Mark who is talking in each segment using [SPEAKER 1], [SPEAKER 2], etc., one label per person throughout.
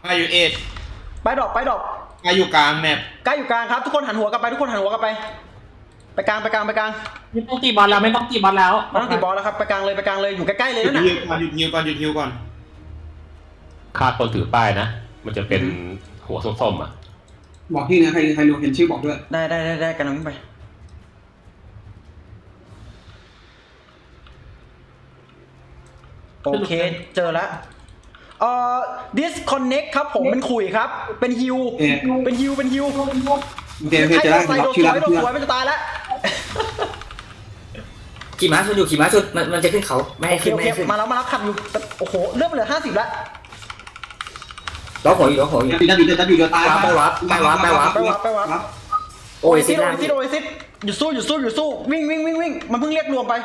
[SPEAKER 1] าอยู่เอ็ด
[SPEAKER 2] ไปดรอป
[SPEAKER 1] กาอยู่กลางแมป
[SPEAKER 2] กล้าอยู่กลางครับทุกคนหันหัวกลับไปทุกคนหันหัวกลับไปกลาง
[SPEAKER 3] ไม่ต้องตีบอลแล้วไม่ต้องตีบอลแล้ว
[SPEAKER 2] ไม่ต้องตีบอลแล้วครับไปกลางเลยอยู่ใกล้ๆเลยนั่นน่ะ
[SPEAKER 1] หยุดฮิวก่อน
[SPEAKER 4] ฆ่าคนถือป้ายนะมันจะเป็นหัวส้มๆอ่ะ
[SPEAKER 5] บอกที่นะใครรู้เห็นชื่อบอกด้วย
[SPEAKER 2] ได้กันวิ่งไปโอเคเจอแล้วdisconnect ครับผมเป็นขุยครับเป็นฮิว
[SPEAKER 5] เดี๋ยวจะได้บอกชื่อแล้ว
[SPEAKER 2] มันจะตายแล้ว
[SPEAKER 6] ขี่ม้าชนอยู่ขี่ม้าชนมันจะขึ้นเขาไม่ให้ขึ้น
[SPEAKER 2] มาแล้วขับอยู่โอ้โหเลือดเหลือ50แล้ว
[SPEAKER 6] ล้อหัวอยู่
[SPEAKER 5] จะตาย
[SPEAKER 6] ไปวับโอ้ยซิ
[SPEAKER 2] หยุดสู้วิ่งมันเพิ่งเรียกรวมไป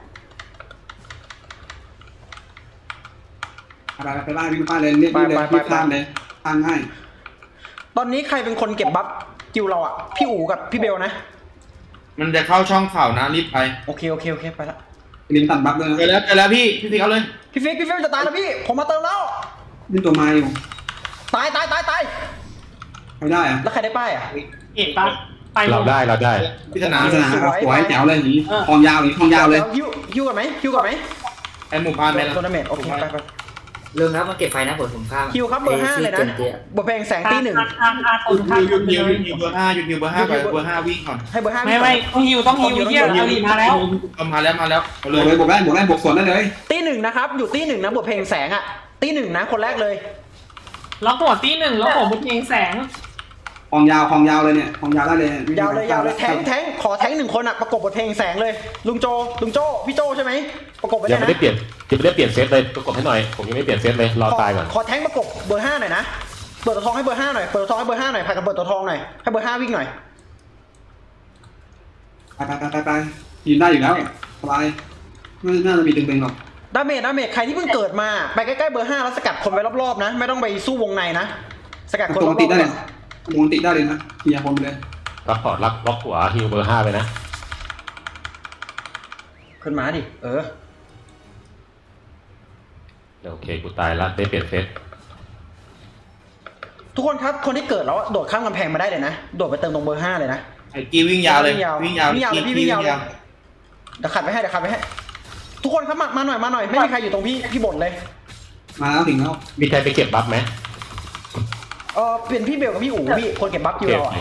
[SPEAKER 5] ไปบ้านวิ่งป้าเลยเรียกข้ามเลยทางง่าย
[SPEAKER 2] ตอนนี้ใครเป็นคนเก็บบัฟกิวเราอ่ะพี่อู๋กับพี่เบลนะ
[SPEAKER 1] มันจะเข้าช่องข่าวนะรีบไป
[SPEAKER 2] โอเคไปละ
[SPEAKER 5] ลิมตัดบัฟเลย
[SPEAKER 1] เจอแล้วพี่ฟิกเอาเลย
[SPEAKER 2] พี่ฟิกจะตายแล้วพี่ผมมาเติมแล้ว
[SPEAKER 5] นี่ตัวไม้อยู่
[SPEAKER 2] ตาย
[SPEAKER 5] ไม่ได้อะ
[SPEAKER 2] แล้วใครได้ป้ายอ่ะ
[SPEAKER 3] เห็นปะไป
[SPEAKER 4] เราได้
[SPEAKER 1] พิจารณา
[SPEAKER 5] สวยแจ๋วเลยนี้ทองยาวเลย
[SPEAKER 2] ฮิวก่อนไหม
[SPEAKER 1] ไอหมู่บ้านไปแล้ว
[SPEAKER 2] โทรนาเมนต์โอเคไป
[SPEAKER 6] เรื่องครับมันเก็บไฟนะผมข้าม
[SPEAKER 2] ฮิวครับเบอร์5เลยนะบทเพลงแสงตี1
[SPEAKER 1] หยุดเบอร์5ไปเบอร์5วิ่งก่อน
[SPEAKER 2] ให้เบอร์5
[SPEAKER 3] ไม่ต้องฮิวเยี่ยอาลีมาแล้ว
[SPEAKER 1] มาแล้ว
[SPEAKER 5] เลยบวกได้บวกสวนได้เลย
[SPEAKER 2] ตี1นะครับอยู่ตี1นะบทเพลงแสงอ่ะตี1นะคนแรกเลย
[SPEAKER 3] ล็อกหัวตี1แล้วผมบทเพลงแสง
[SPEAKER 5] ของยาวเลยเนี่ยของยาวได้เลย
[SPEAKER 2] ยาวเลยแทงขอแทง1คนอ่ะประกบบทเพลงแสงเลยลุงโจพี่โจใช่ไหมประกบไปเลยนะ
[SPEAKER 4] ยังไม่ได้เปลี่ยนเซตเลยประกบให้หน่อยผมยังไม่เปลี่ยนเซตเลยรอตายก่อน
[SPEAKER 2] ขอแทงประกบเบอร์5หน่อยนะเปิดตัวทองให้เบอร์5หน่อยเปิดตัวทองให้เบอร์5หน่อยพากันเปิดตัวทองหน่อยให้เบอร์5วิ่งหน่อย
[SPEAKER 5] ไปยืนได้อยู่แล้วสบายไม่น่าจะมีตึงๆหรอก
[SPEAKER 2] ดาเมจใครที่เพิ่งเกิดมาไปใกล้ๆเบอร์5แล้วสกัดคนไว้รอบๆนะไม่ต้องไปสู้วงในนะสกัดคนรอบๆได้
[SPEAKER 5] เลยนะเฮียคนไปเลย
[SPEAKER 4] รับพอร์ตล็อกหัวฮิวเบอร์5ไปนะ
[SPEAKER 2] ขึ้นมาดิ
[SPEAKER 4] โอเคกูตายแล้วได้เปลี่ยนเซต
[SPEAKER 2] ทุกคนครับคนที่เกิดแล้วโดดข้ามกำแพงมาได้เลยนะโดดไปเติมตรงเบอร์5เลยนะ
[SPEAKER 1] ไอ้กีวิ่งยาวเลย
[SPEAKER 2] พี่วิ่งยาวเดี๋ยวขัดไปให้ทุกคนครับมาหน่อยไม่มีใครอยู่ตรงพี่บ่นเลย
[SPEAKER 5] มาแล้วถึงแล้ว
[SPEAKER 4] มีใครไปเก็บบัฟไหม
[SPEAKER 2] เปลี่ยนพี่เบลกับพี่อู๋พี่คนเก็บบัฟอยู่เรา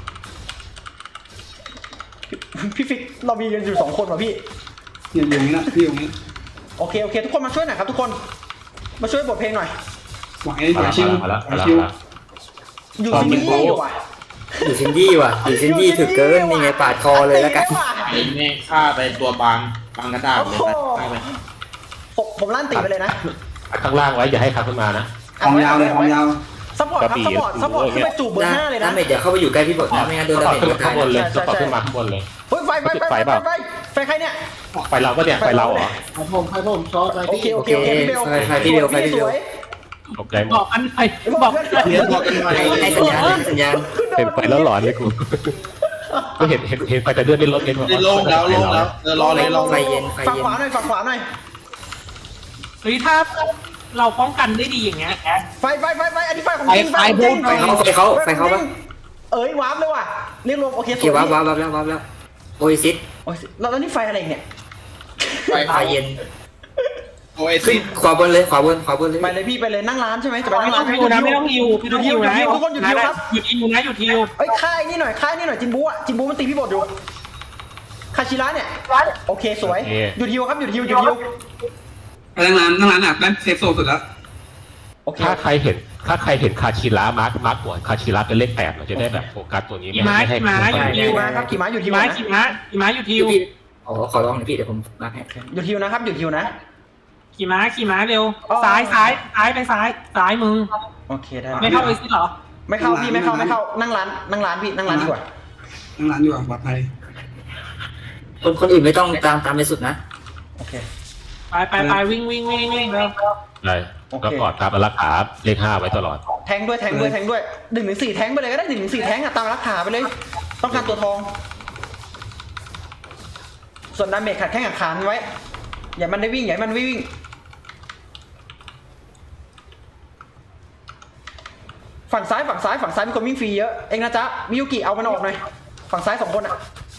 [SPEAKER 2] พี่ฟิกเรามีกันอยู่2คนว่ะพี่
[SPEAKER 5] อยู่นี่นะพี่อยู่นี่
[SPEAKER 2] โอเคทุกคนมาช่วยหน่อยครับทุกคนมาช่วยบทเพลงหน่อย
[SPEAKER 5] หวังไอ้ชิว
[SPEAKER 2] อยู่ซินดี้ว่ะ
[SPEAKER 6] อยู่ซินดี้ถึกเกินนี่ไงปาดคอเลยแล้วกัน
[SPEAKER 1] นี่ฆ่าไปตัวบางกระดาษเลยไป
[SPEAKER 2] ผมลั่นตีไปเลยนะ
[SPEAKER 4] ข้างล่างไว้อย่าให้ขับขึ้นมานะ
[SPEAKER 5] ของยาว
[SPEAKER 2] ซัพพอร์ตขึ้นไปจูบเบอร์5เลยนะ
[SPEAKER 6] เดี๋ยวเข้าไปอยู่ใกล้พี่บดนะไม่งั้นโดนดาเมจ
[SPEAKER 4] ข้างบนเลยซัพพอร์ตขึ้นมาข้างบนเลย
[SPEAKER 2] เฮ้ยไฟใครเนี่ย
[SPEAKER 4] ไฟเราก็เนี่ยไฟเราเหรอ
[SPEAKER 5] ผมช็อต
[SPEAKER 2] โอเค
[SPEAKER 6] พี่เบล
[SPEAKER 3] บอกอันไหนบอก
[SPEAKER 6] ให้สัญญาณ
[SPEAKER 4] เห็นไฟแล้วหลอนเลยกูก็เห็นไฟแต่เลือดไม่ลดเลย
[SPEAKER 1] ลงแล้วรอเลย
[SPEAKER 6] ไฟเย็น
[SPEAKER 2] ฝั่งขวาหน่อย
[SPEAKER 3] เฮ้ยถ้าเราป้องกันได้ดีอย่างเงี้ย
[SPEAKER 2] ไฟอันนี้ไฟของจริง
[SPEAKER 6] ไฟเขาปะ
[SPEAKER 2] วาร์ปเลยว่ะเรียกรวมโอเคว
[SPEAKER 6] าร์ปแล้วโอซิส
[SPEAKER 2] แล้วนี่ไฟอะไรเนี่ย
[SPEAKER 6] ไฟเย็น
[SPEAKER 1] โอซิส
[SPEAKER 6] ขวาบนเลย
[SPEAKER 2] ไปเลยพี่ไปเลยนั่งร้านใช่ไหมจะไปนั่งร้าน
[SPEAKER 3] ไม่ต้องฮิวนะ
[SPEAKER 2] ทุกคนหยุดฮิวครับ
[SPEAKER 3] หยุดฮิว
[SPEAKER 2] เอ้ยค่ายนี่หน่อยจินบูมันตีพี่บดอยู่คาชิระเนี่ยโอเคสวยหยุดฮิวครับหยุดฮิว
[SPEAKER 5] ไปนั่งร้านอ่ะนั่นเซฟโซนสุดแล้ว
[SPEAKER 4] ถ้าใครเห็นคาชิระมาร์กหัวคาชิระเป็นเลข8เราจะได้แบบโฟกัสตัวนี้
[SPEAKER 3] ไม่ให้
[SPEAKER 2] ฮิวครับขี่ม้าหยุดฮิว
[SPEAKER 6] ขอลองหน่อยพี่เดี๋ยวผมมาให้
[SPEAKER 2] หยุดฮิวนะครับหยุดฮิวนะ
[SPEAKER 3] ขี่ม้าเร็วซ้ายไปซ้ายมึง
[SPEAKER 2] โอเคได้
[SPEAKER 3] ไม่เข้าเลยสิหรอ
[SPEAKER 2] ไม่เข้าพี่ไม่เข้านั่งร้านพี่นั่งร้านดีกว่า
[SPEAKER 5] นั่งร้านดีกว่าปลอดภัย
[SPEAKER 6] คนอื่นไม่ต้องตามไปสุดนะ
[SPEAKER 2] โอเค
[SPEAKER 3] ไปวิ่งแล้ว
[SPEAKER 4] ได้ก็กอดตามรักษาเลข5ไว้ตลอด
[SPEAKER 2] แทงด้วย1-4แทงไปเลยก็ได้1-4แทงตามรักษาไปเลยต้องการตัวทองส่วนดาเมจขัดแข้งขัดขาไว้อย่ามันได้วิ่งฝั่งซ้ายมีคนวิ่งฟรีเยอะเองนะจ๊ะมิยุกิเอามันออกหน่อยฝั่งซ้าย2 คนอ่ะ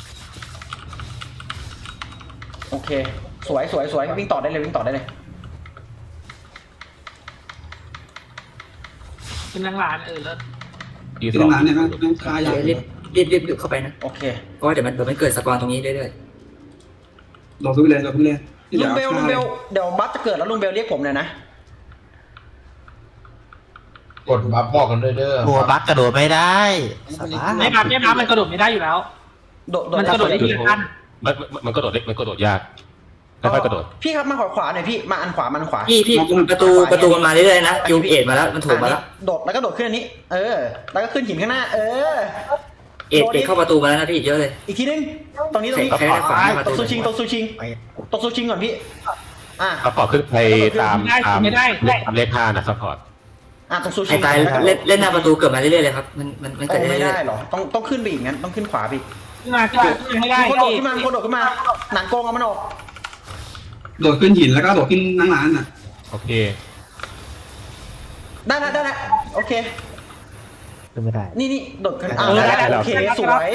[SPEAKER 2] โอเคสวยวิ่งต่อได้เลย
[SPEAKER 3] เป็นนางหลานเลิศ
[SPEAKER 4] ที
[SPEAKER 5] ที่
[SPEAKER 4] สอง
[SPEAKER 5] ร้านเนี่ยมันคายา
[SPEAKER 6] รีบเข้าไปนะ
[SPEAKER 2] โอเค
[SPEAKER 6] เพราะว่าเดี๋ยวมันเกิดสปอนตรงนี้เรื่อย
[SPEAKER 5] โดดขึ้นไปเลยที่เห
[SPEAKER 2] ลุ
[SPEAKER 5] ลื
[SPEAKER 2] ง
[SPEAKER 5] อ
[SPEAKER 2] เบลเดี๋ยวบัฟจะเกิดแล้วลุงเบลเรียกผมหน่อยนะ
[SPEAKER 1] กดบัฟบอกกันด้วยเด้อ
[SPEAKER 7] ตัวบักกระโดดไม่ได้สบาย
[SPEAKER 3] ไม่บัฟมันกระโดดไม่ได้อยู่แล้ว มันกระโดดได้ทีละขั้น
[SPEAKER 4] มันกระโดดเล็กมันกระโดดยากค่อยๆกระโดด
[SPEAKER 2] พี่ครับมาขวาหน่อยพี่มาอันขวา
[SPEAKER 6] ๆพี่ประตูมันมาเรื่อยๆนะยูเอ็ดมาแล้วมันถูกมาแล้ว
[SPEAKER 2] โดดแล้วก็โดดขึ้นอันนี้แล้วก็ขึ้นหินข้างหน้า
[SPEAKER 6] เอ็ดเข้าประตูมาแล้วนะพี่เยอะเลย
[SPEAKER 2] อีกทีนึงตรงนี้
[SPEAKER 6] ใครได้ขวามา
[SPEAKER 2] ตกซูชิงก่อนพี่
[SPEAKER 4] ซัพพอร์ตขึ้นไปตามเลข5นะซัพพอร์ต
[SPEAKER 2] ตรงซูชิ
[SPEAKER 6] ไอ้ตายเล่นหน้าประตูเกิดมาเรื่อยๆเลยครับมันเกิด
[SPEAKER 2] ไม่
[SPEAKER 6] เรื่อย
[SPEAKER 2] ได้หรอต้องขึ้นไปอีกงั้นต้องขึ้นขวาพี่
[SPEAKER 3] ขึ้นมาให้ได้
[SPEAKER 2] คนโดดขึ้นมาหนังโกงเอามันออก
[SPEAKER 5] โดดขึ้นหินแล้วก็โดดขึ้นนั่งร้านน่ะ
[SPEAKER 4] โอเค
[SPEAKER 2] ได้แล้วโอเค
[SPEAKER 7] ขึ้นไม่ได้
[SPEAKER 2] นี่โดดขึ้นได้โอเคสวย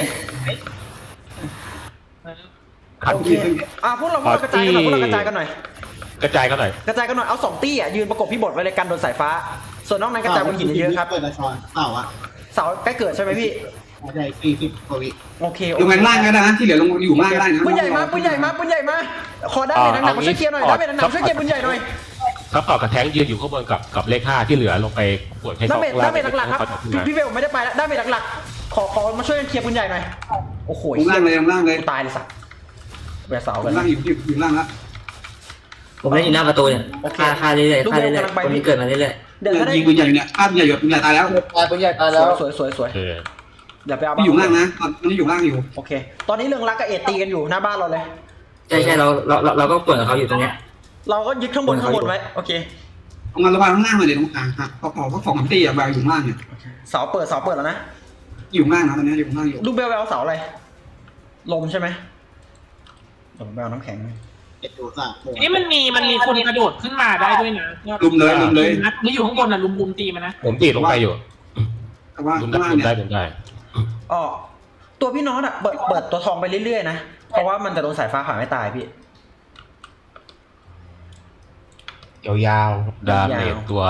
[SPEAKER 2] โอเคพวกเรากระจายกันหน่อยกระจายกันหน่อยเอา2 ตี้ยืนประกบพี่บดไว้เลยกันโดนสายฟ้าส่วนนอกนั้นกระจายบนหินเยอะครับ
[SPEAKER 1] เปิดละช้อนเปล่าอ่ะ
[SPEAKER 2] เสาใกล้เกิดใช่ไหมพี่
[SPEAKER 1] ใช่40 กว่าวิ
[SPEAKER 2] โอเค
[SPEAKER 5] ลงไปล่างก็ได้นะที่เหลือลงอยู่ล่างก็ได้นะ
[SPEAKER 2] ปืนใหญ่มาขอได้เป็นหนักมาช่วยเคลียร์หน่อยได้เป็นหนักช่วยเคลียร์ปืนใหญ่หน่อย
[SPEAKER 4] ซัพพอร์ตกับแทงยืนอยู่ข้างบนกับเลข5ที่เหลือลงไปปวดให้
[SPEAKER 2] ได้
[SPEAKER 4] สอง
[SPEAKER 2] เป็นหลักๆครับพี่เบลไม่ได้ไปแล้วได้เป็นหลักๆขอมาช่วยเคลียร์ปืนใหญ่หน่อยโอ้โห
[SPEAKER 5] ลงล่างเลย
[SPEAKER 2] ตายเลยสัตว์แหวกเสา
[SPEAKER 5] ล
[SPEAKER 2] กัน
[SPEAKER 5] งล่างอยู่ล่างแล้ว
[SPEAKER 6] ผมเล่นอยู่หน้าประตูเนี่ยฆ่าเรื่อยๆคนนี้เกิดมาเรื่อย
[SPEAKER 2] เดี๋ยวก็ได้
[SPEAKER 5] ยิงปืนใหญ่เนี่ยภาพใหญ่หยดปืนใหญ่ตายแล้ว
[SPEAKER 1] ปืนใหญ่ตายแล้ว
[SPEAKER 2] สวยอย่าไปเอา
[SPEAKER 5] ที่อยู่ล่างนะตอนนี้อยู่ล่างอยู่
[SPEAKER 2] โอเคตอนนี้เรื่องรักกับเอตีกันอยู่หน้าบ้านเราเลย
[SPEAKER 6] ๆใช่เราก็ป่วนกับเขาอยู่ตรงเนี้ย
[SPEAKER 2] เราก็ยึดข้างบนไว้โอเค
[SPEAKER 5] ตรงนั้นระบายข้างล่างเลยเดี๋ยวตรงกลางฮะพอ2-3 ตีอะบายอยู่ล่างเนี่ย
[SPEAKER 2] เสาเปิดแล้วนะ
[SPEAKER 5] อยู่ล่างนะตอนนี้อยู่ล่างอยู่
[SPEAKER 2] ลูกเบลเอาเสาอะไรลมใช่ไหมเดี๋ยวผมไปเอาน้ำแข็ง
[SPEAKER 3] นี่มันมีคนกระโดดขึ้นมาได้ด้วยนะ
[SPEAKER 5] ลุมเลย
[SPEAKER 3] นี่อยู่ข้างบนลุมตีมันนะ
[SPEAKER 4] ผมตีลงไปอยู่
[SPEAKER 5] แต่ว่า
[SPEAKER 4] ลุม
[SPEAKER 5] ข้างล่าง
[SPEAKER 4] ได้
[SPEAKER 5] เนี่ย
[SPEAKER 4] ลุมได้
[SPEAKER 2] ตัวพี่น็อตเปิดตัวทองไปเรื่อยๆนะเพราะว่ามันจะโดนสายฟ้าผ่าไม่ตายพี่
[SPEAKER 1] ยาว
[SPEAKER 4] ดาเมจตัว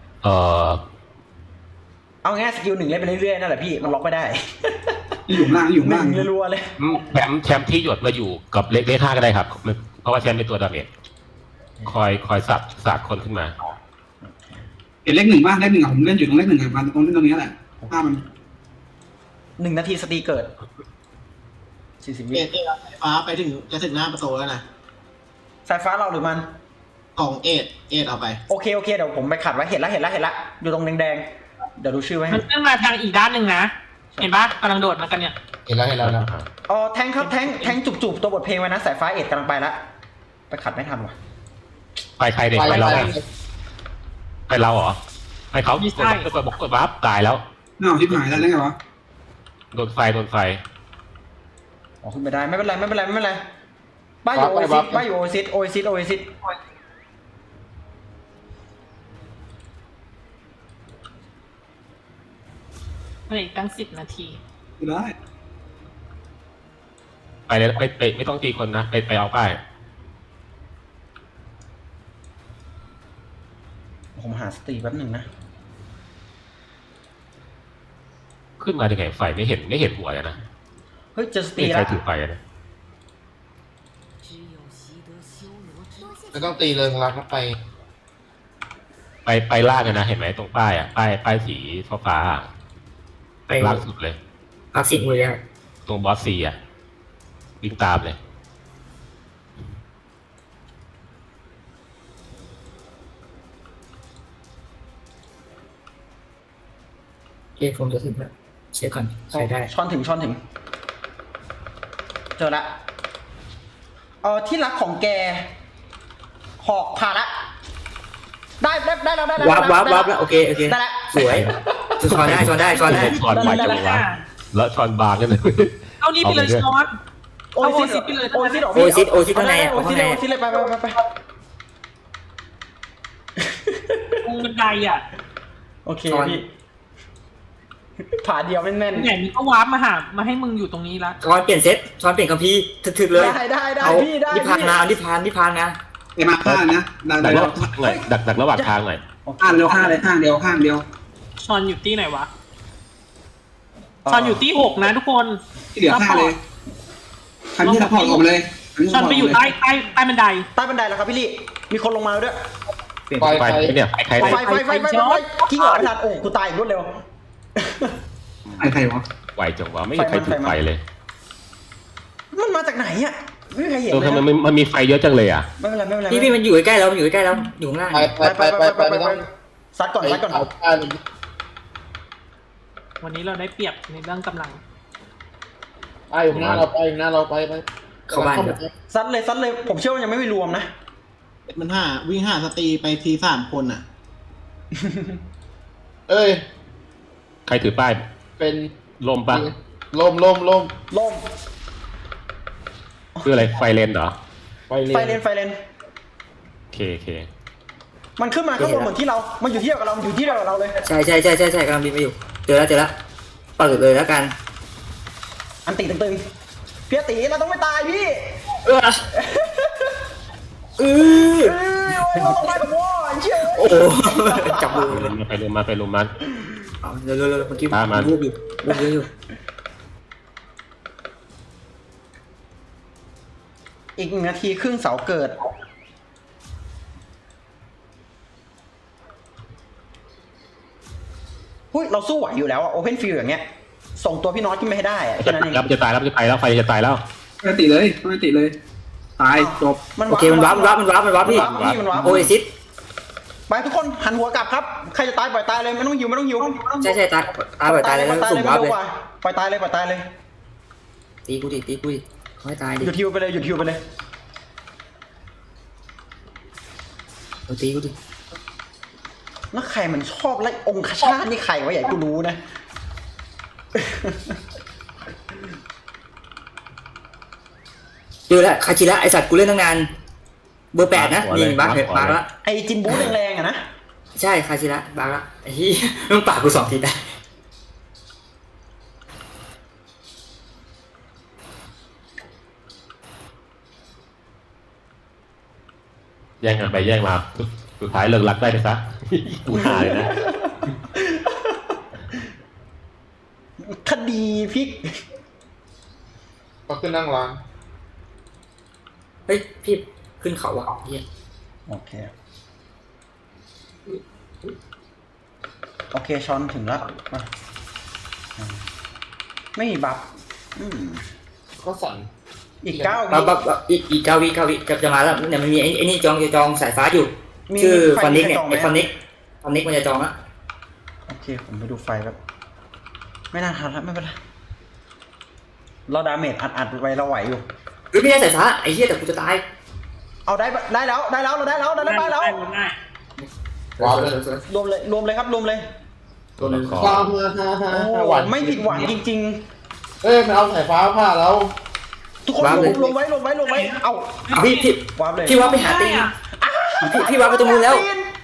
[SPEAKER 2] เอาง่ายสกิล1เล่นไปเรื่อยๆนั่นแหละพี่มันล็อกไม่ได้
[SPEAKER 5] อยู่ล่าง
[SPEAKER 2] รัวๆเลย
[SPEAKER 4] แชมป์ที่หยดมาอยู่กับเลข5ก็ได้ครับเพราะว่าแชมป์เป็นตัวดาเมจคอยสับคนขึ้นมา
[SPEAKER 5] เห็นเลข 1บ้างเลข 1อะผมเล่นอยู่ตรงเลข 1อะมันตรงนี้แหละภาพมัน
[SPEAKER 2] 1 นาทีสตีเกิด40 วิ
[SPEAKER 1] เอ็ดฟ้าไปจะถึงหน้าประตูแล้วนะ
[SPEAKER 2] สายฟ้าเราหรือมัน
[SPEAKER 1] ของเอ็ดเอาไป
[SPEAKER 2] โอเคเดี๋ยวผมไปขัดไว้เห็นละอยู่ตรงแดงๆเดี๋ยวดูชื่อไว้
[SPEAKER 3] มันขึ้นมาทางอีกด้านหนึ่งนะเห็นปะกำลังโดดมากันเนี่ย
[SPEAKER 1] เห็นแล้วนะ
[SPEAKER 2] แทงครับแทงจุบตัวบทเพลงไว้นะสายฟ้าเอ็ดกำลังไปละไปขัดไม่ทันว่ะ
[SPEAKER 4] ไปใครเด็กไปเราไปเราเหรอไปเขากดบัฟตายแล้ว
[SPEAKER 5] น่าที่หายแล้วไงวะ
[SPEAKER 4] โดนไฟ
[SPEAKER 2] ขึ้นไปได้ไม่เป็นไรบ้านอยู่โอซิส
[SPEAKER 3] อีกตั้ง10 นาที
[SPEAKER 5] ได้
[SPEAKER 4] ไปเลยไปไม่ต้องตีคนนะไปเอาป้าย
[SPEAKER 2] ผมหาสตีแป๊บหนึ่งนะ
[SPEAKER 4] ขึ้นมาได้ไงไฟไม่เห็นหัวเลยนะ
[SPEAKER 2] เฮ้ยเจอสตี
[SPEAKER 4] ไม่
[SPEAKER 2] แล้
[SPEAKER 4] ใช่
[SPEAKER 2] ว
[SPEAKER 4] ถือไฟนะ
[SPEAKER 1] ไม่ต้องตีเลยรัก
[SPEAKER 4] ไปล่างกันนะเห็นไหมตรงป้ายอ่ะป้ายสีฟ้า
[SPEAKER 6] ไป
[SPEAKER 4] ล่างสุดเลย
[SPEAKER 6] พักสิบมือแล้ว
[SPEAKER 4] ตรงบอสซีอ่ะวิ่งตามเลย
[SPEAKER 6] ผมจะถึงแล้วเช็คก่อนใช้ได้
[SPEAKER 2] ช้อนถึงเจอละที่รักของแกหอกผ่าละได้แล้ว
[SPEAKER 6] วับแล้วโอเค
[SPEAKER 2] ได้แล้ว
[SPEAKER 6] สวยช้อนได้
[SPEAKER 4] ช้อนไปจังหวะแล้วช้อนบางกันเลย
[SPEAKER 3] เอานี่ไปเลยช้อน
[SPEAKER 2] โอซิสไปเลย
[SPEAKER 6] โอซิข้างใน
[SPEAKER 2] โอซิเลยไป
[SPEAKER 3] ตรงบันไดอ่ะ
[SPEAKER 2] โอเคพี่ผ่าเดียวแม่น
[SPEAKER 3] ไหนมึงก็วาร์ปมาให้มึงอยู่ตรงนี้ละ
[SPEAKER 6] ช้อนเปลี่ยนเซตช้อนเปลี่ยนคัมภีร์ถึกๆเลย
[SPEAKER 2] ได้
[SPEAKER 6] เอา
[SPEAKER 2] พี่ได้
[SPEAKER 6] นิพพานนะเอานิพพานนะ
[SPEAKER 5] ไอ้มาข้างนะดัก
[SPEAKER 4] ดักระหว่างทางหน่อยดักระหว่างทางหน่อย
[SPEAKER 5] ข้างเดียวข้างเลยข้างเดียว
[SPEAKER 3] ชอนอยู่ที่ไหนวะชอนอยู่ที่6นะทุกคน
[SPEAKER 5] ที่เหลือข้างเลยคันที่ซัพพอร์ตออกมาเลย
[SPEAKER 3] ชอนไปอยู่ใต้บันได
[SPEAKER 2] ใต้บันไดแล้วครับพี่ลี่มีคนลงมาแล้วด้วย
[SPEAKER 4] ไฟเนี่ยใคร
[SPEAKER 2] ไฟกิ้งออกไม่ทันโอ้กูตายอีกรวดเร็ว
[SPEAKER 5] ใครวะ
[SPEAKER 4] ไหวจังวะไม่มีใครถือไฟเลย
[SPEAKER 2] มันมาจากไหนอ่ะไม่มีใครเห็น
[SPEAKER 4] เออ
[SPEAKER 2] เลย
[SPEAKER 4] ทำไม
[SPEAKER 2] นะ
[SPEAKER 4] มันมีไฟเยอะจังเลยอ่ะ
[SPEAKER 2] ไม่เป็นไร
[SPEAKER 6] พี่มันอยู่ใกล้ๆเราอยู่ข้างล่าง
[SPEAKER 2] ไปซัดก่อน
[SPEAKER 3] วันนี้เราได้เปรียบในเรื่องกำลัง
[SPEAKER 8] อยู่หน้าเราไปไป
[SPEAKER 6] เข้าบ้านเถอะ
[SPEAKER 2] ซัดเลยผมเชื่อว่ายังไม่มีรวมนะ
[SPEAKER 7] มันวิ่ง5 สตรีไปที3 คนอ่ะ
[SPEAKER 8] เอ้ย
[SPEAKER 4] ใครถือป้าย
[SPEAKER 8] เป็น
[SPEAKER 4] ลมปะ
[SPEAKER 8] ลม
[SPEAKER 2] ล่ม
[SPEAKER 4] คืออะไรไฟเลนเหรอ
[SPEAKER 2] ไฟเลน
[SPEAKER 4] โอเค
[SPEAKER 2] มันขึ้นมาข้างบนเหมือนที่เรามันอยู่ที่เดียวกับเราอยู่ที่เดียวกับเราเลย
[SPEAKER 6] ใช่กำลังบินไปอยู่เจอแล้วเปิดเลยแล้วกัน
[SPEAKER 2] อันติตึงๆพี่ตีเราต้องไม่ตายพี่
[SPEAKER 6] โอ้
[SPEAKER 2] เราต้องไปกับวอเชื่อ
[SPEAKER 6] โหจับมือ
[SPEAKER 4] ไปลมมา
[SPEAKER 6] เอาเร็วเมื่อกี้รูปอยู่
[SPEAKER 2] อีก1 นาทีครึ่งเสาเกิดหุ้ยเราสู้ไหวอยู่แล้วอะโอเพนฟิลอย่างเงี้ยส่งตัวพี่น้อยขึ้นไปให้ได้อะแค่นั้นเอง
[SPEAKER 4] จะตายแล้วไฟจะตายแล้ว
[SPEAKER 5] ไม่ติเลย ตายจบ
[SPEAKER 6] โอเคมันวาร์ปพี่โอเอซิส
[SPEAKER 2] ไปทุกคนหันหัวกลับครับใครจะตายปล่อยตายเลยไม่ต้องหิว
[SPEAKER 6] ใช่ตายเลยแล้วสุ่มวาร์ปเลย
[SPEAKER 2] ปล่อยตายเลย
[SPEAKER 6] ตีกูดิขอให้ตายดิ
[SPEAKER 2] หยุดฮิวไปเลย
[SPEAKER 6] ตีกูดิ
[SPEAKER 2] แล้วใครมันชอบไล่องคชาตนี่ใครวะอย่าให้กูรู้นะ
[SPEAKER 6] เจอแล้วคาชิระไอสัตว์กูเล่นตั้งนานเบอร์ 8นะนี่บักละ
[SPEAKER 2] ไอจินบูแรงๆอะนะ
[SPEAKER 6] ใช่คาชิระบักละไอ้ที่มึงปากกู2 ทีได้
[SPEAKER 4] แย่งกันไปแย่งมาสุดท้ายเลิกรักได้ไปซะกูหาเลยนะ
[SPEAKER 2] คดีพลิก
[SPEAKER 8] ก็ขึ้นนั่งร้าน
[SPEAKER 6] เฮ้ยพี่ขึ้นเขาว่ะเฮีย
[SPEAKER 2] โอเคช้อนถึงแล้วไม่มีบัฟ
[SPEAKER 8] ก็สั่น
[SPEAKER 2] อีก9 วิ
[SPEAKER 6] บับอีก9 วิจะมาแล้วเนี่ยมันมีไอ้นี่จองสายฟ้าอยู่ชื่อฟอนนิกเนี่ยไอ้ฟอนนิกมันจะจองละ
[SPEAKER 2] โอเคผมไปดูไฟแบบไม่น่าทันแล้วไม่เป็นไรเราดาเมจอัดไปเราไหวอยู่
[SPEAKER 6] หรือไม่ได้สายฟ้าไอ้เหี้ยแต่กูจะตาย
[SPEAKER 2] เอาได้แล้วเราได้แล้ว
[SPEAKER 3] ได้
[SPEAKER 2] รวมเลยครับรวมเลย
[SPEAKER 8] ว้าว
[SPEAKER 2] โอ้ไม่ผิดหวังจริง
[SPEAKER 8] เอ้ยมันเอาสายฟ้าผ่าเรา
[SPEAKER 2] ๆทุกคนลงไว้เอา
[SPEAKER 6] พี่
[SPEAKER 2] วาร์ปเลย
[SPEAKER 6] พี่ว่าไปหาตีนพี่ว่าไปตรงนู้นแล้ว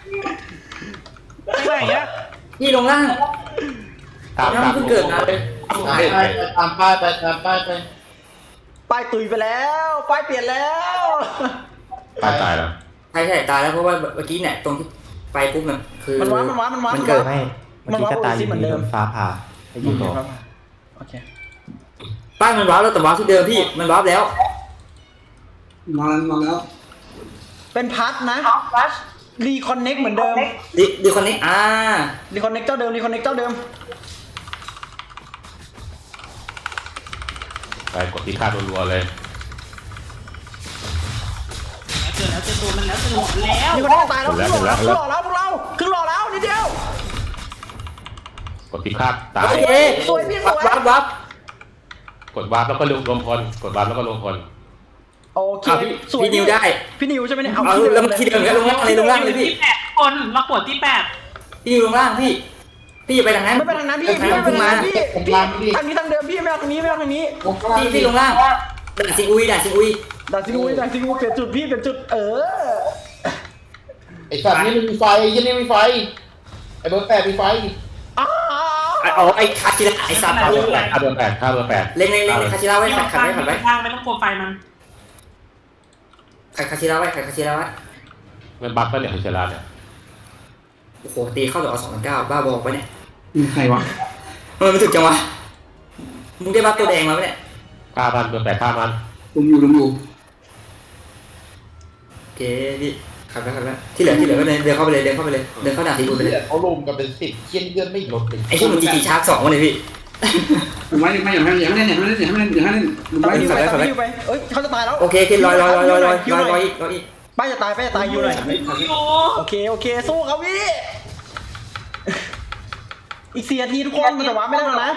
[SPEAKER 3] ไปไหนอะ
[SPEAKER 6] พี่ลงล่าง
[SPEAKER 4] ตาม
[SPEAKER 6] เพิ่งเกิดมา
[SPEAKER 8] ตามป้ายไป
[SPEAKER 2] ป้ายตุยไปแล้วป้ายเปลี่ยนแล้ว
[SPEAKER 4] ตายแล้ว
[SPEAKER 6] ใช่ตายแล้วเพราะว่าเมื่อกี้เนี่ยตรงที่ไปปุ๊บมันคือ
[SPEAKER 2] มันว้า
[SPEAKER 6] มันเกิด
[SPEAKER 7] ไม่เมื่อกี้ก็ตายอยู่ดีโดนฟ้าผ่าไปยิงต่อ
[SPEAKER 2] โอเค
[SPEAKER 6] ป้ายมันวาร์ปแล้วแต่วาร์ปที่เดิมพี่มันวาร์ปแล้ว
[SPEAKER 5] นอนแล้ว
[SPEAKER 2] เป็นพัทนะรีคอนเน็กเหมือนเดิม
[SPEAKER 6] ดีคนนี้
[SPEAKER 2] รีคอนเน็กเจ้าเดิม
[SPEAKER 4] ไปกดที่ค่ารัวๆเลย
[SPEAKER 3] เจอตัวมันแล้วจะหมดแล้ว
[SPEAKER 2] รีคอนเน็กตายแล้วครึ่งหล่อแล้วพวกเราครึ่งหล่อแล้วนิดเดียว
[SPEAKER 4] กดที่ค่าตาย
[SPEAKER 2] สวยพี่สวย
[SPEAKER 6] วาร์ป
[SPEAKER 4] กดวาร์ปแล้วก็รวมพลกดวาร์ปแล้วก็รวมพล
[SPEAKER 2] โอเคสวย
[SPEAKER 6] พี่นิวได้
[SPEAKER 2] พี่นิวใช่ไหมเนี่ย
[SPEAKER 6] เอาแล้วที่เดิมแล้วลงล่างเลยพี่
[SPEAKER 3] ที่8 คนเรากดที่ 8
[SPEAKER 6] พี่นิวลงล่างพี่ไปทางนั้น
[SPEAKER 2] ไม่ไปทางนั้นพี่ไม่ไปทางนั้นพี่ทางนี้ทางเดิมพี่ไม่เอาทางนี้
[SPEAKER 6] พี่ลงล่างด่านซิงอุย
[SPEAKER 2] ด่านซิงอุยเปลี่ยนจุดพี่เปลี่ยนจุด
[SPEAKER 8] ไอ้สัตว์นี่มันมีไฟยี่นี่มีไฟไอ้เบอร์ 8มีไฟ
[SPEAKER 2] อ้าว
[SPEAKER 6] เอาไอ้คาชิระไอ้สัตว์
[SPEAKER 4] ค่าเบอร์แปดค่าเบอร์แปดค่าเบอร์แปด
[SPEAKER 6] เล็งคาชิระไว้ขัดไว้
[SPEAKER 3] ไม่ต้องกลัวไฟมัน
[SPEAKER 6] ขัดคาชิระไว้ขัดคาชิระไว้
[SPEAKER 4] มันบั๊กไปเนี่ยคาชิระเนี่ย
[SPEAKER 6] โอ้โหตีเข้าเดี๋ยวเอา2,900บ้าบอกไปเนี่ย
[SPEAKER 5] ใครวะ
[SPEAKER 6] มันถึกจังวะมึงได้บัฟตัวแดงมาไหมเนี่ย
[SPEAKER 4] ค่ามันเบอร์แปดค่ามัน
[SPEAKER 5] ลุมอยู่
[SPEAKER 6] โอเคพี่ขัดไว้ที่เหลือก็เดินเข้าไปเลยเดินเข้าด่าทีกูไปเลย
[SPEAKER 8] เขาลุมกันเป็น10เคียนเดือนไม่ลดเลย
[SPEAKER 6] ไอ้ที่มึงจีชาร์จ2มาเลยพี่
[SPEAKER 5] ไม่อย่างนั้นอย่างนั้นอย่างนั้นอย่างนั้นอย่างนั้นลุม
[SPEAKER 2] ไป
[SPEAKER 5] ไว้
[SPEAKER 2] อยู่ไปอยู่ไปเอ้ยเขาจะตายแล้ว
[SPEAKER 6] โอเคลอยอีก
[SPEAKER 2] ป้าจะตายอยู่หน่อยโอเคสู้เขาพี่อีก4 นาทีทุกคนมันจะวาร์ปไม่ได้แล้วนะ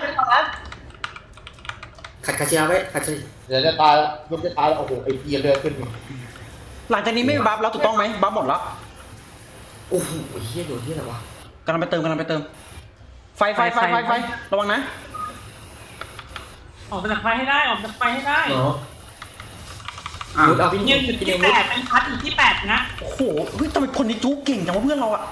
[SPEAKER 6] ขัดคาชิระไว้ขัด
[SPEAKER 8] เดี๋ยวจะตายแล้วยกจะตายแล้วโอ้โหไอ้เกียร์เดือนขึ้น
[SPEAKER 2] หลังจากนี้ไม่มีบัฟแล้วถูกต้องไหมบัฟหมดแล้ว
[SPEAKER 6] โอ้โหเฮียโดนที่อะไรวะ
[SPEAKER 2] กำลังไปเติมไฟระวังนะ
[SPEAKER 3] ออกจากไฟให้ได้ออกจากไฟให้ได้
[SPEAKER 6] มุดเอาพี่
[SPEAKER 3] ยังอยู่ที่8เป็นพัดอยู่ที่8นะ
[SPEAKER 2] โอ้โหเฮ้ยทำไมคนนี้จู๊เก่งจังวะเพื่อนเราอะ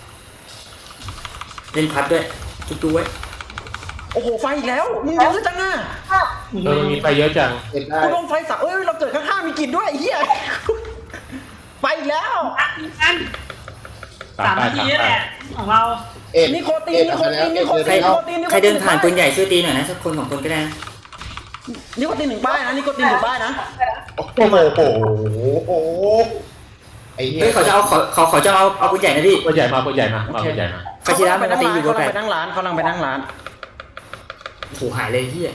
[SPEAKER 6] เล่นพัดด้วยจุ๊ไว้
[SPEAKER 2] โอ้โหไฟอีกแล้วมึงเยอะจังอะ
[SPEAKER 4] มันมีไปเยอะจัง
[SPEAKER 8] เห็นได้
[SPEAKER 2] กูโดนไฟสับเราเกิดข้างๆมีกลิ่นด้วยไอ้เหี้ยไฟอีกแล้ว
[SPEAKER 3] อัดกัน3 นาทีแหละของเรา
[SPEAKER 2] นิโคติน
[SPEAKER 6] ใครเดินผ่านปืนใหญ่ช่วยตีหน่อยนะสักคน2คนก็ได้นะ
[SPEAKER 2] นิโคติน1 ป้ายนะนิโคติน1 ป้ายนะ
[SPEAKER 8] โอ้โหไอ้เหี้ย
[SPEAKER 6] เฮ้ยเขาจะเอาปืนใหญ่นะพี่
[SPEAKER 4] ปืนใหญ่มา
[SPEAKER 6] คาชิระมันตีอยู่
[SPEAKER 2] เขา
[SPEAKER 6] แป
[SPEAKER 2] กำลัง
[SPEAKER 6] ด
[SPEAKER 2] ไปนั่งร้านเขากำลังไปนั่งร้าน
[SPEAKER 6] โอ้โหหายเลยที่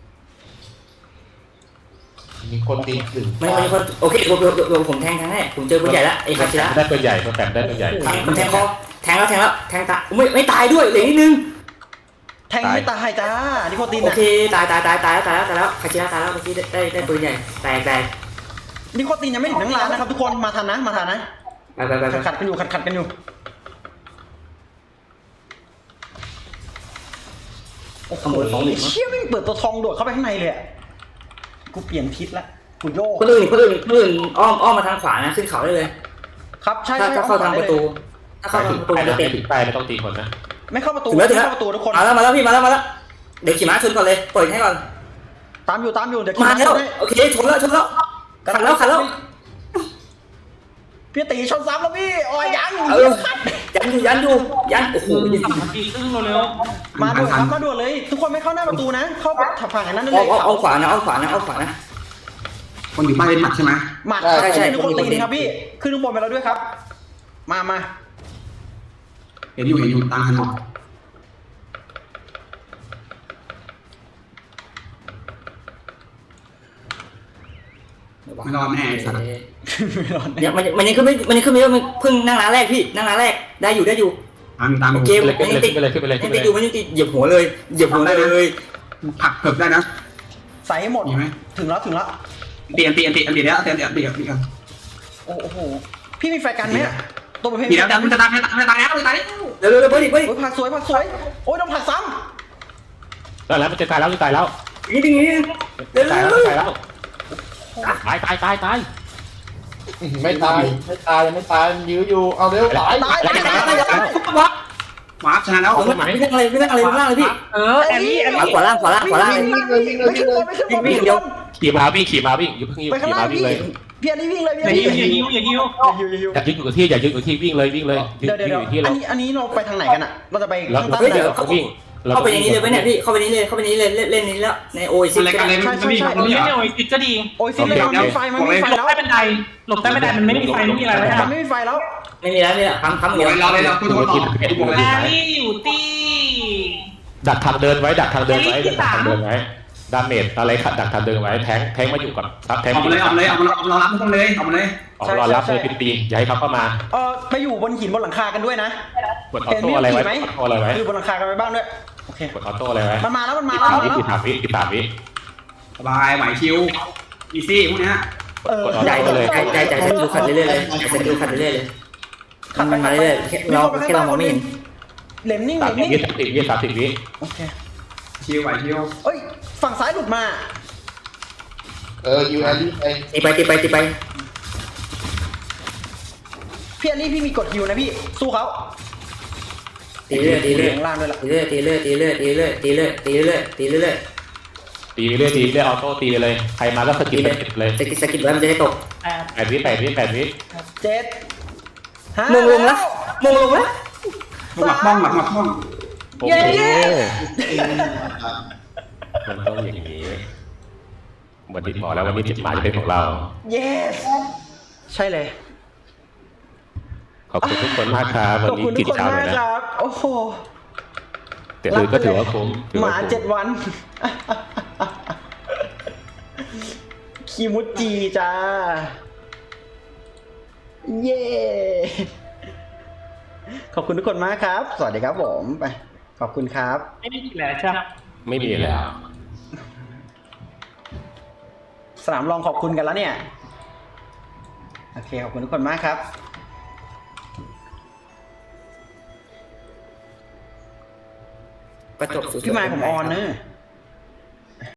[SPEAKER 8] มีคนตีถึง
[SPEAKER 6] ไม่คนโอเคผมแทงให้ผมเจอปืนใหญ่แล้วไอ้คาชิระ
[SPEAKER 4] ได้ปืนใหญ่ตัวแปดได้ปืนใหญ่
[SPEAKER 6] มันแทงคอแทงแล้วตายไม่ตายด้วยเหลือนิดนึง
[SPEAKER 2] แทงไม่ตายจ้านิโคติน
[SPEAKER 6] โอ
[SPEAKER 2] อะ
[SPEAKER 6] เคตายแล้วคาชิระตายแล้วเมื่อกี้ได้ปืนใหญ่แตก
[SPEAKER 2] นิโคตินยังไม่ถึงนั่งร้านนะครับทุกคนมาทันนะไปขัดกันอยู่โอ้โหเชี่ยไม่เปิดตัวทองโดดเข้าไปข้างในเลยอะกูเปลี่ยนทิศละกูโยก
[SPEAKER 6] คนอื่นอ้อมมาทางขวานะขึ้นเขาได้เลย
[SPEAKER 2] ครับใช่
[SPEAKER 6] ถ้าเข้าทางประตูถ้าเข้าทางประตู
[SPEAKER 4] ไป
[SPEAKER 6] จะ
[SPEAKER 4] นะ
[SPEAKER 6] เตะ
[SPEAKER 4] ถึงไปไม่ต้องตีคนนะ
[SPEAKER 2] ไม่เข้าประตู
[SPEAKER 6] ถึงแล้ว
[SPEAKER 2] เข้าประตูทุกคน
[SPEAKER 6] มาแล้วพี่มาแล้วเดี๋ยวขี่ม้าชนก่อนเลยเปิดให้ก่อน
[SPEAKER 2] ตามอยู่เดี๋ยว
[SPEAKER 6] มาแล้วโอเคชนแล้วขัดแล้ว
[SPEAKER 2] พี่ตีชนซ้ำแล้วพี่อ๋อยัง
[SPEAKER 6] ยันอยู่โอ้โห
[SPEAKER 3] 3 นาทีครึ่งเร็ว
[SPEAKER 2] มาด่วนเลยทุกคนไม่เข้าหน้าประตูนะเข้าฝั่งนั้นเลย
[SPEAKER 6] เอาขวานะ
[SPEAKER 5] คนอยู่ป้ายเป็นหมัดใช่ไหม
[SPEAKER 2] หมัดใช่ทุกคนตีครับพี่ขึ้นข้างบนไปแล้วด้วยครับมา
[SPEAKER 5] เห็นอยู่ตามทันหมดไม่รอดแน่สัตว์
[SPEAKER 6] เนี่ยมันยังขึ้นไม่มันเพิ่งนั่งร้านแรกพี่นั่งร้านแรกได้อยู่
[SPEAKER 5] ตาม
[SPEAKER 6] โอเค
[SPEAKER 4] ขึ้นเลยขึ้นเลย
[SPEAKER 6] ยังติดอยู่มันยังติดเหยียบหัวเลย
[SPEAKER 5] ผักเผือกได้นะ
[SPEAKER 2] ใส่ให้หมดถึงแล้ว
[SPEAKER 5] เปลี่ยนแล้วเปลี่ยน
[SPEAKER 2] โอ้โหพี่มีไฟกันไหมตัวประเภท
[SPEAKER 5] เดี๋ยวมันจะตายแล้ว
[SPEAKER 6] เร็วเบิร์ด
[SPEAKER 2] โอ้ยผักสวยโอ้ยโดนผักซ้
[SPEAKER 4] แล้วมันจะตายแล้วจะตายแล้ว
[SPEAKER 6] นี่ดิเร็ว
[SPEAKER 4] ตายแล้วตายแล้วตาย
[SPEAKER 8] ไม่ตายมันยื้ออยู่เอาเร็วตาย
[SPEAKER 2] ำตาย
[SPEAKER 5] วาร์ปชนะแล้ว
[SPEAKER 6] ไม่นั่งอะไรล่างเลยพี่
[SPEAKER 3] แอลลี่
[SPEAKER 6] ขวาล่าง
[SPEAKER 2] ไม่ขึ้นบน
[SPEAKER 6] วิ่งเดียว
[SPEAKER 4] ขี่มาวิ่งอย่าเพิ่ง
[SPEAKER 2] ไปข้างล่าง
[SPEAKER 4] วิ่งเลย
[SPEAKER 2] พี่อันนี้วิ่งเลย
[SPEAKER 3] อย่ายิ้ว
[SPEAKER 4] อย่ายืนอยู่ที่วิ่งเลย
[SPEAKER 2] เดี๋ยวอันนี้เราไปทางไหนกันอ่ะเราจะไป
[SPEAKER 4] แล้ว
[SPEAKER 2] ข้างใต้
[SPEAKER 4] เดี๋ยววิ่ง
[SPEAKER 6] เข้าไปอย่างนี้เลยไหมเนี่ยพี่เข้าไปนี้เลยเล่นนี้แล้วในโอซิ
[SPEAKER 5] อะไรกันเลยมันมี
[SPEAKER 3] เล่นในโอซิสก็ดี
[SPEAKER 2] โอ้ยซิเลยมันมีไฟ
[SPEAKER 3] หลบใต้บันไดมันไม่มีไฟไม่มีอะไรแล้ว
[SPEAKER 2] มันไม่มีไฟแล้ว
[SPEAKER 6] ไม่มีแล้วนี่แหละค้ำเดียว
[SPEAKER 5] เราพูดต่อ
[SPEAKER 3] แอลลี่อยู่ที่
[SPEAKER 4] ดักทางเดินไว้ดาเมจอะไรดักทางเดินไว้แทงมาอยู่กับซับแทง
[SPEAKER 5] เอามาเลยเรารับมันเลย
[SPEAKER 4] ออกรอรับเลยปีอย่าให้เขาเข้ามา
[SPEAKER 2] ไปอยู่บนหินบนหลังคากันด้วยนะ
[SPEAKER 4] กดออโต้อะไรไว้
[SPEAKER 2] คือบนหลังคากันไปบ้างด้วยโอเค
[SPEAKER 4] กดออโต้อะไรไว้
[SPEAKER 2] มันมาแล้ว
[SPEAKER 4] กี่3 วิ
[SPEAKER 5] สบายไหวชิวอีซี่พวกนี้
[SPEAKER 6] ใจดูขัดเรื่อยเลยมันมาเรื่อยเราแค่เรามองไม่เห็น
[SPEAKER 2] เหล็มนิ่ง
[SPEAKER 4] 30 วิ
[SPEAKER 2] โอเค
[SPEAKER 5] ชิวไหวชิว
[SPEAKER 2] เอ้ยฝั่งซ้ายหลุดมา
[SPEAKER 8] ยูแอลลี่ไป
[SPEAKER 6] ตีไป
[SPEAKER 2] พี่อันนี้พี่มีกดฮิวนะพี่สู้เขา
[SPEAKER 6] ตีเรื่อยตีเรื่อย
[SPEAKER 2] ข้างล่างด้วยล่ะ
[SPEAKER 6] ตีเรื่อยตีเรื่อยตีเรื่อยตีเรื่อยตีเรื่อยตีเรื่อยตีเรื่อย
[SPEAKER 4] ตีเรื่อยออโต้ตีเลยใครมาก็สกิปเลย
[SPEAKER 6] สกิดไว้มันจะได้ตก
[SPEAKER 4] 8 วิ
[SPEAKER 2] 7 5
[SPEAKER 6] มงลงแล้วมงลงแล้ว
[SPEAKER 5] หมักบ้องหมักบ้อง
[SPEAKER 4] โอ้โหมันต้องอย่างนี้วันที่บอกแล้ววันนี้จิตหมายจะเป็นของเรา
[SPEAKER 2] yes ใช่เลย
[SPEAKER 4] ขอบคุณทุกคนมากครับวัน
[SPEAKER 2] ขอบ
[SPEAKER 4] นี้
[SPEAKER 2] คุณทุ
[SPEAKER 4] กิ
[SPEAKER 2] ก
[SPEAKER 4] น
[SPEAKER 2] คน
[SPEAKER 4] เช้าม
[SPEAKER 2] าก
[SPEAKER 4] เลยนะครับ
[SPEAKER 2] โอ้โห
[SPEAKER 4] แต่ก็ถือว่าคุ้ม
[SPEAKER 2] หมา7 วัน คิมุจิจ้า เย้ ขอบคุณทุกคนมากครับ สวัสดีครับผมไปขอบคุณครับ
[SPEAKER 3] ไม่มีอีกแล้วใช่ไหม
[SPEAKER 4] ไม่มีแล้ว
[SPEAKER 2] สนามรองขอบคุณกันแล้วเนี่ย โอเค ขอบคุณทุกคนมากครับ
[SPEAKER 6] ประจบสุด
[SPEAKER 2] พี่ไมค์ผมออนเนอะ